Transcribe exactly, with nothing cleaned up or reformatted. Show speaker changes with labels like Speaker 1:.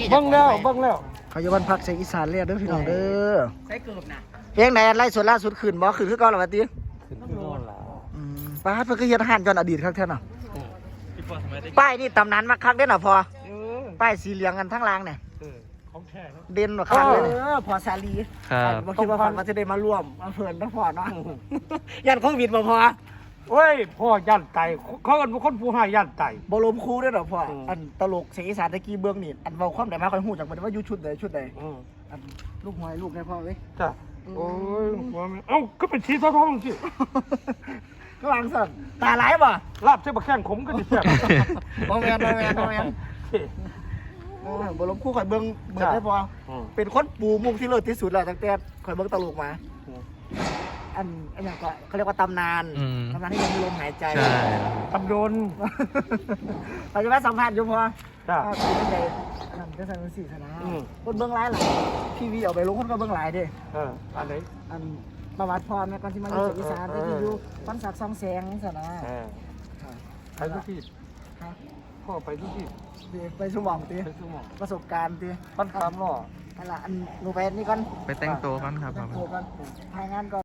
Speaker 1: เบิ้งแล้วเบิ้งแล้ว
Speaker 2: เขาอยู่บ้านพักเสียงอีสานเรียกเด้อพี่น้องเด้อ
Speaker 3: ใช้เกือบนะ
Speaker 2: เพลงไหนไล่ส่วนล่าสุดขึ้นบ่ขึ้นคือเก่าหรอวะติ
Speaker 1: ขึ้นขึ้นโน่นแล้ว
Speaker 2: อืมป้าดเพิ่นก็เฮ็ดอาหารจนอดีตครั้งแท้น่ะป้ายนี่ตำนานมาคักเด้อน่ะพอ
Speaker 1: เออ
Speaker 2: ป้ายสีเหลืองกันทั้งรางเนี่ย
Speaker 1: เออของแท้นะ
Speaker 2: เด่นกว่าคักเลยเนี่ย
Speaker 3: เออพอซาลี
Speaker 4: ครับ
Speaker 2: บ่คิดว่าฝันว่าจะได้มาร่วมมาเพิ่นนะพอเนาะยันโควิดบ่พอ
Speaker 1: โอ้ยพ่อย่านไตเขาเป็นคนผู้ให้ย่านไต
Speaker 2: บ่ล้มครูเด้อน่ะพ่อ
Speaker 1: อืม
Speaker 2: อันตลกเสียงอีสานตะกี้เบื้องนี่อันเว้าความได้มาค่อยฮู้จักบ่ได้ว่าอยู่ชุดใดชุดใด
Speaker 1: อืม
Speaker 2: อันลูกหอยลูกได้พ่อเว้ย
Speaker 1: จ้ะโอ้ยหัวมันเอ้าก็เป็นชีสท้องสิ
Speaker 2: ก็วางสั่นตาหลายบ่
Speaker 1: ลาบเส้นบะแข้งขมก็จะแซ่บ
Speaker 2: บ่แม่นบ่แม่นบ่แม่นเออบ่ล้มครูข่อยเบิ่งเบิดได้พอ
Speaker 1: อืม
Speaker 2: เป็นคนปูมุกที่เลิศที่สุดแล้วตั้งแต่ข่อยเบิ่งตลกมา
Speaker 1: อืม
Speaker 2: อันอันอย่างก็เขาเรียกว่าตำนาน
Speaker 4: อืม
Speaker 2: ตำนานที่ยังมีลมหายใจ
Speaker 4: ใช่
Speaker 1: ตำโดน
Speaker 2: เราจะมาสัมภาษณ์อยู่พอ
Speaker 1: จ้ะ
Speaker 2: ก็คือเป็นไงนั่นก็ใส่เป็นสี่คณะ
Speaker 1: อืม
Speaker 2: คนเบื้องหลายหลายทีวีเอาไปลงคนก็เบื้องหลายเด้
Speaker 1: เอออันไหน
Speaker 2: อันประวัติพรแม่ก่อนที่มาอยู่เสียงอีสาน
Speaker 1: เอ
Speaker 2: ที่
Speaker 1: อเออ
Speaker 2: อยู่ฟันสักซองแสงสนะ
Speaker 1: เออไปทุกที่
Speaker 2: ฮะ
Speaker 1: พ่อไปทุกที่
Speaker 2: เดี๋ยวไปสมองตี
Speaker 1: ไปสมอง
Speaker 2: ประสบการณ์ตี
Speaker 1: ปั้นคำหรอ
Speaker 2: นั่นละอันหนูไปนี่ก่อน
Speaker 4: ไปแต่งตัวกันครับ
Speaker 2: โทรกันถ่ายงานก่อน